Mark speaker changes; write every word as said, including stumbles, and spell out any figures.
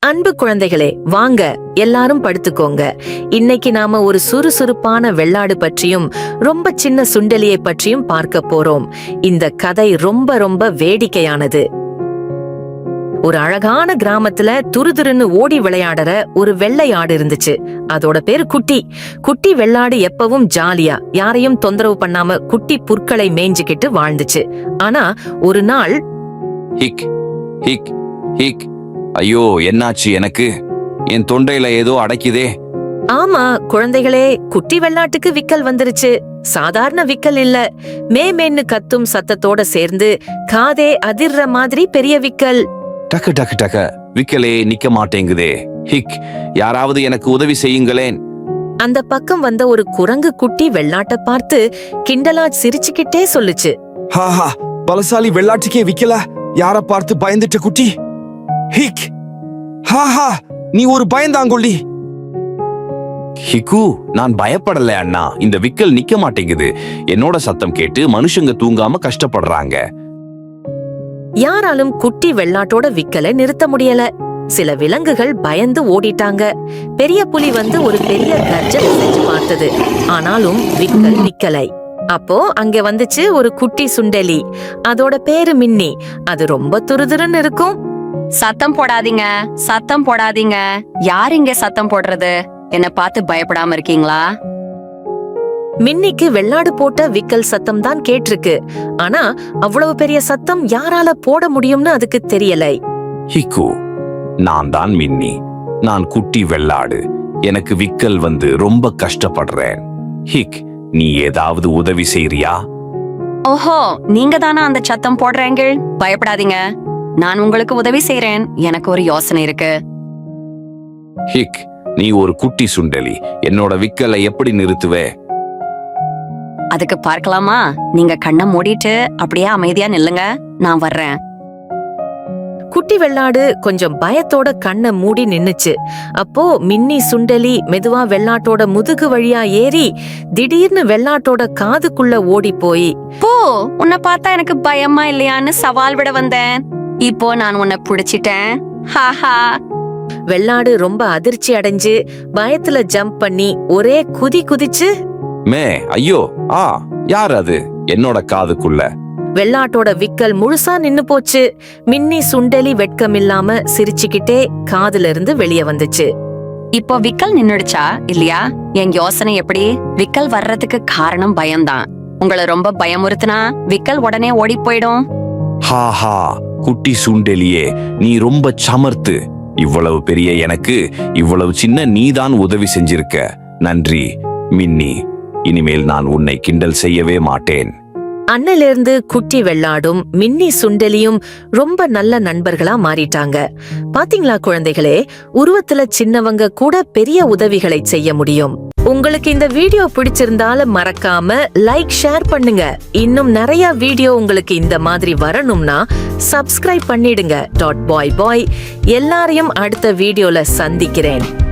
Speaker 1: அன்பு குழந்தைகளே, வாங்க எல்லாரும் படுத்துக்கோங்க. இன்னைக்கு நாம ஒரு சுறுசுறுப்பான வெள்ளாடு பற்றியும் ரொம்ப சின்ன சுண்டெலியை பற்றியும் பார்க்க போறோம். இந்த கதை ரொம்ப ரொம்ப வேடிக்கையானது. ஒரு அழகான கிராமத்துல துருதுருன்னு ஓடி விளையாடுற ஒரு வெள்ளை ஆடு இருந்துச்சு. அதோட பேரு குட்டி. குட்டி வெள்ளாடு எப்பவும் ஜாலியா யாரையும் தொந்தரவு பண்ணாம குட்டி புற்களை மேய்ஞ்சுக்கிட்டு வாழ்ந்துச்சு. ஆனா ஒரு நாள்
Speaker 2: ஹிக் ஹிக் ஹிக் ஐயோ, என்னாச்சு? எனக்கு என் தொண்டையில ஏதோ அடைக்குதே.
Speaker 1: ஆமா குழந்தைகளே, குட்டி வெள்ளாட்டுக்கு விக்கல் வந்துருச்சு. சாதாரண விக்கல் இல்ல, மே மேன்னு கத்தும் சத்தத்தோட சேர்ந்து காதே அதிர்ற மாதிரி பெரிய விக்கல்.
Speaker 2: டக்கு டக்கு டக்க விக்கலே நிக்க மாட்டேங்குதே. ஹிக், யாராவது எனக்கு உதவி செய்யுங்களேன்.
Speaker 1: அந்த பக்கம் வந்த ஒரு குரங்கு குட்டி வெள்ளாட்ட பார்த்து கிண்டலா சிரிச்சுக்கிட்டே சொல்லுச்சு.
Speaker 3: ஹாஹா, பலசாலி வெள்ளாட்டுக்கே விக்கல, யார பார்த்து பயந்துட்ட குட்டி? ஹிக், ஹாஹா, நீ ஒரு பயந்தாங்கொள்ளி.
Speaker 2: ஹிக்கு, நான் பயப்படல அண்ணா. இந்த விக்கல் நிக்க மாட்டேங்குது. என்னோட சத்தம் கேட்டு மனுஷங்க தூங்காம கஷ்டப்படுறாங்க.
Speaker 1: யாராலும் குட்டி வெள்ளாட்டோட விக்கலை நிறுத்த முடியல. சில விலங்குகள் பயந்து ஓடிட்டாங்க. பெரிய புலி வந்து ஒரு பெரிய கர்ஜனை செஞ்சு பார்த்தது. ஆனாலும் விக்கல் நிக்கலை. அப்போ அங்க வந்துச்சு ஒரு குட்டி சுண்டெலி. அதோட பேரு மின்னி. அது ரொம்ப துருதுருன்னு இருக்கும்.
Speaker 4: சத்தம் போடாதீங்க, சத்தம் போடாதீங்க. யார் இங்க சத்தம் போடுறது? என்ன பார்த்து பயப்படாம இருக்கீங்களா?
Speaker 1: மின்னிக்கு வெள்ளாடு போட்ட விக்கல் சத்தம் தான் கேட்டிருக்கு. ஆனா அவ்வளவு பெரிய சத்தம் யாரால போட முடியும்னு அதுக்கு தெரியலை.
Speaker 2: ஹிக்கு, நான் தான் மின்னி. நான் குட்டி வெள்ளாடு. எனக்கு விக்கல் வந்து ரொம்ப கஷ்டப்படுறேன். ஹிக், நீ ஏதாவது உதவி செய்றியா?
Speaker 4: ஓஹோ, நீங்க தானா அந்த சத்தம் போடுறீங்க? பயப்படாதீங்க, நான் உங்களுக்கு உதவி செய்றேன். எனக்கு ஒரு யோசனை இருக்கு.
Speaker 2: ஹிக், நீ ஒரு குட்டி சுண்டெலி. என்னோட விக்கலை எப்படி நிறுத்துவே?
Speaker 4: அதுக்கு பார்க்கலாமா? நீங்க கண்ணை மூடிட்டு அப்படியே அமைதியா நில்லுங்க, நான் வர்றேன்.
Speaker 1: குட்டி வெள்ளாடு கொஞ்சம் பயத்தோட கண்ணை மூடி நின்னுச்சு. அப்போ மின்னி சுண்டெலி மெதுவா வெள்ளாட்டோட முதுகு வழியா ஏறி திடீர்னு வெள்ளாட்டோட காதுக்குள்ள ஓடி போய்,
Speaker 4: போ, உன்னை பார்த்தா எனக்கு பயமா இல்லையான்னு சவால் விட வந்தேன். இப்போ நான் உன்னை புடிச்சிட்டேன். ஹாஹா.
Speaker 1: வெள்ளாடு ரொம்ப அதிர்ச்சி அடைஞ்சு பயத்துல ஜம்ப் பண்ணி ஒரே குதி குதிச்சு.
Speaker 2: மே, ஐயோ, ஆ, யார் அது என்னோட காதுக்குள்ள?
Speaker 1: வெள்ளாட்டோட விக்கல் முழுசா நின்னு போச்சு. மின்னி சுண்டெலி வெட்கமில்லாம சிரிச்சுக்கிட்டே காதுல இருந்து வெளியே வந்துச்சு.
Speaker 4: இப்போ விக்கல் நின்னுடுச்சா இல்லையா? என் யோசனை எப்படி? விக்கல் வர்றதுக்கு காரணம் பயம்தான். உங்களை ரொம்ப பயமுறுத்துனா விக்கல் உடனே ஓடி போயிடும்.
Speaker 2: ஹாஹா, குட்டி சுண்டெலியே, நீ ரொம்ப சமர்த்து. இவ்வளவு பெரிய எனக்கு இவ்வளவு சின்ன நீதான் உதவி செஞ்சிருக்க. நன்றி மின்னி. இனிமேல் நான் உன்னை கிண்டல் செய்யவே மாட்டேன்.
Speaker 1: அன்னிலிருந்து குட்டி வெள்ளாடும் மின்னி சுண்டெலியும் ரொம்ப நல்ல நண்பர்களா மாறிட்டாங்க. பாத்தீங்களா குழந்தைகளே, உருவத்துல சின்னவங்க கூட பெரிய உதவிகளை செய்ய முடியும். உங்களுக்கு இந்த வீடியோ பிடிச்சிருந்தாலும் மறக்காம லைக், ஷேர் பண்ணுங்க. இன்னும் நிறைய வீடியோ உங்களுக்கு இந்த மாதிரி வரணும்னா சப்ஸ்கிரைப் பண்ணிடுங்க. Tata bye bye. எல்லாரையும் அடுத்த வீடியோல சந்திக்கிறேன்.